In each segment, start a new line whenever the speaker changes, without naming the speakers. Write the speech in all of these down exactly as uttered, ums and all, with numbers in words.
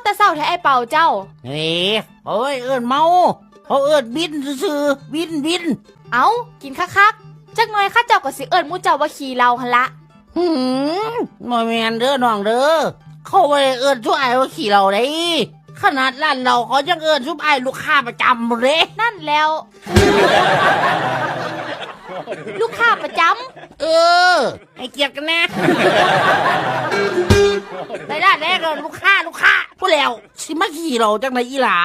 แต่เศร้าแท้ไอ้เป่าเจ้า
เฮ้ยโอ้ยเอิ้นเมาเขาเอิ้นบินซื่อบินบิน
เอ้ากินคักๆจักหน่อยข้าเจ้าก็สิเอิ้นหมู่เจ้าว่าขี่เราหั่นละ
หืมบ่แม่นเด้อน้องเด้อเขาบ่ได้เอิ้นซุอ้ายว่าขี่เราได้ขนาดร้านเราเขายังเอิ้นซุอ้ายลูกค้าประจำเด้
นั่นแล้ว ลูกค้าประจ
ำเออให้เกียรติกันแน่ในร้านแรกเลยลูกค้าลูกค้าพูดแล้วสิมาขี่เราจังไหนอีหลา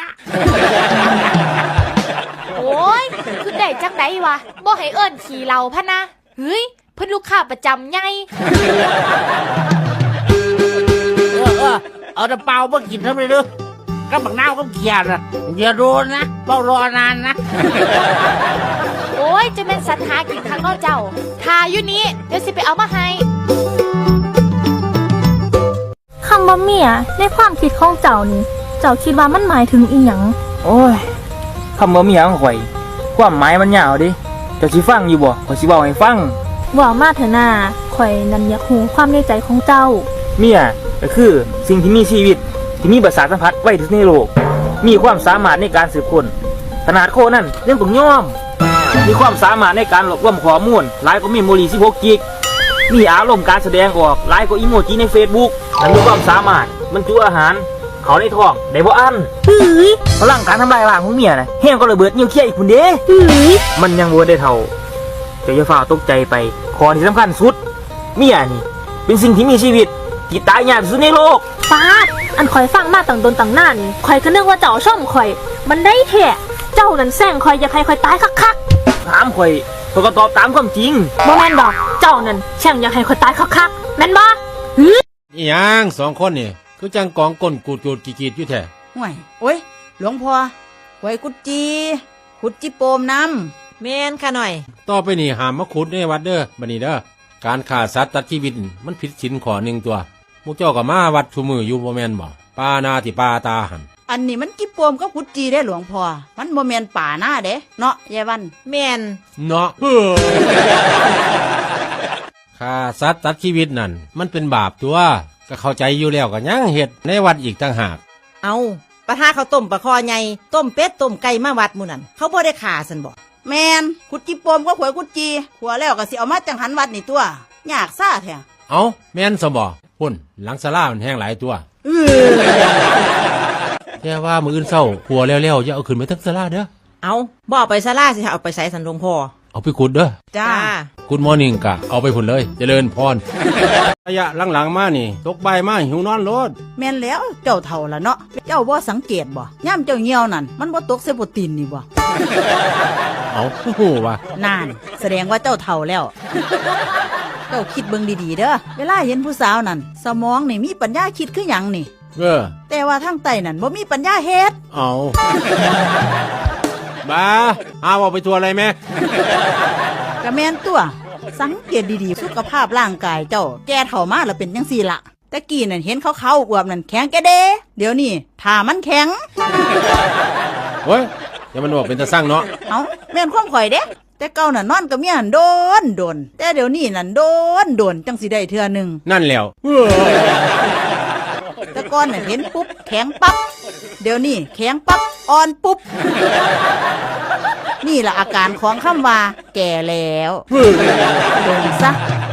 โอ้ยคือได้จังไดวะบ่ให้เอิ้นขี่เราพะนะเฮ้ยเพิ่นลูกค้าประจำไง
เออเออเอาแต่เปล่ามากินทำไมเด้อก็บักนาวก็เขียนนะอย่าโดนนะเปล่ารอนานนะ
โอ้ยจะเป็นสัตว์หากินข้างนอกเจ้าทาอยู่นี้เดี๋ยวสิไปเอามาให้
คำว่าเมียในความคิดของเจ้านี่เจ้าคิดว่ามันหมายถึงอีหยัง
โอ้ยคำว่าเมียของข่อยความหมายมันยาวดิเจ้าสิฟังอยู่บ่ข่อยสิเว้าให้ฟัง
ว่ามาเถอะนาข่อยนั่นอยากรู้ความในใจของเจ้า
เมียก็คือสิ่งที่มีชีวิตที่มีประสาทสัมผัสไว้ที่สุดในโลกมีความสามารถในการสืบค้นขนาดโคนั่นเรื่องต้องยอมมีความสามารถในการรวบรวมข้อมูลหลายกว่ามีโมลีสิบหกกิกมีอารมณ์การแสดงออกหลายกว่าอีโมจิใน Facebook และมีความสามารถบรรจุอาหารเขาในท้องได้บ่อันเฮ้ยพลังการทำลายล้างของเมียน่ะแห้งก็ระเบิดนิวเคลียร์อีกพุ่นเด้เฮ้ยมันยังบ่ได้เท่าเจ้าอย่าฝ่าตกใจไปข้อที่สำคัญสุดเมียนี่เป็นสิ่งที่มีชีวิตที่ตายยากที่สุดในโลก
ฟาดอันข่อยฟังมาตั้งตนตั้งนานข่อยก็นึกว่าเจ้าช่อมข่อยมันได้แท้เจ้านั่นแซงข่อยอยากให้ข่อยตายคัก
ๆถามข่อยข่อยก็ตอบตามความจริง
บ่แม่นดอกเจ้านั่นแช่งอยากให้ข่อยตายคักๆแม่นบ่
อีหยังสองคนนี่คือจังกองก้นกูดกูดกีดๆอยู่แท้
ห่วยโอ้ยหลวงพ่อหวยกุดจีขุดจิโปมน้ำแม่นค่ะหน่อย
ต่อไปนี่ห้ามมาขุดในวัดเด้อบัดนี้เด้อการฆ่าสัตว์ตัดชีวิตมันผิดศีลข้อหนึ่งตัวพวกเจ้าก็มาวัดชุมืออยู่บ่แม่นบ่ปานาติปาตาหัน
อันนี้มันจิโปมก็ขุดจีได้หลวงพ่อมันบ่แม่นป่าหน้าเด้เนาะยายวันแม่น
เนาะฆ่าสัตว์ตัดชีวิตนั่นมันเป็นบาปตัวก็เข้าใจอยู่แล้วก็ยังเฮ็ดในวัดอีกต่างหาก
เอาปะทาข้าวต้มปลาคอใหญ่ต้มเป็ดต้มไก่มาวัดหมู่นั่นเขาบ่ได้ฆ่าซั่นบ่แม่นขุดจิโปมก็ขวยกุดจีขัวแล้วก็สิเอามาจังหันวัดนี่ตัวยากซ่าแท้
เอาแม่นซะบ่พุ่นหลังศาลามันแห้งหลายตัวเออแต่ว่ามื้ออื่นเช้าขัวแล้วๆอย่าเอาขึ้นไปทั้งศาลาเด้อ
เอาบ่เอาไปศาลาสิเอาไปใส่สันหลวงพ่อ
เอาไปขุดเด้อ
จ้า
คุณมอร์นิ่งกะเอาไปพุ่นเลยเจริญพรระยะหลังๆมานี่ตกใบมาหิวนอนโลด
แม่นแล้วเจ้าเฒ่าละเนาะเจ้าบ่สังเกตบ่ย่ำเจ้าเหี่ยวนั่นมันบ่ตกเซโปรตีนนี่บ่
เอาฮู้ว่า
นั่นแสดงว่าเจ้าเฒ่าแล้วเจ้าคิดเบิ่งดีๆเด้อเวลาเห็นผู้สาวนั่นสมองนี่มีปัญญาคิดคือหยังนี่
เออ
แต่ว่าทางใต้นั่นบ่มีปัญญาเฮ็ด
เอาบ้าเอาเอาไปทัวอะไรแม่
กะแม่นตัวสังเกตดีๆสุขภาพร่างกายเจ้าแก่เฒ่ามาแล้วเป็นจังซี่ล่ะตะกี้นั่นเห็นขาวๆอวบนั่นแข็งแกเด้เดี๋ยวนี้ถ้ามันแข็ง
โอ้ยอย่ามันบอกเป็นตาสร้างเนาะ
เอ้าแม่นความข่อยเด้แต่เก่าน่ะนอนกับเมียนั่นโดนโดนแต่เดี๋ยวนี้นั่นโดนโดนจังสิได้เทื่อนึง
นั่นแล้ว
แต่ก่อนน่ะเห็นปุ๊บแข็งปั๊บเดี๋ยวนี้แข็งปั๊บอ่อนปุ๊บนี่ล่ะอาการของคำว่าแก่แล้วโดนซะ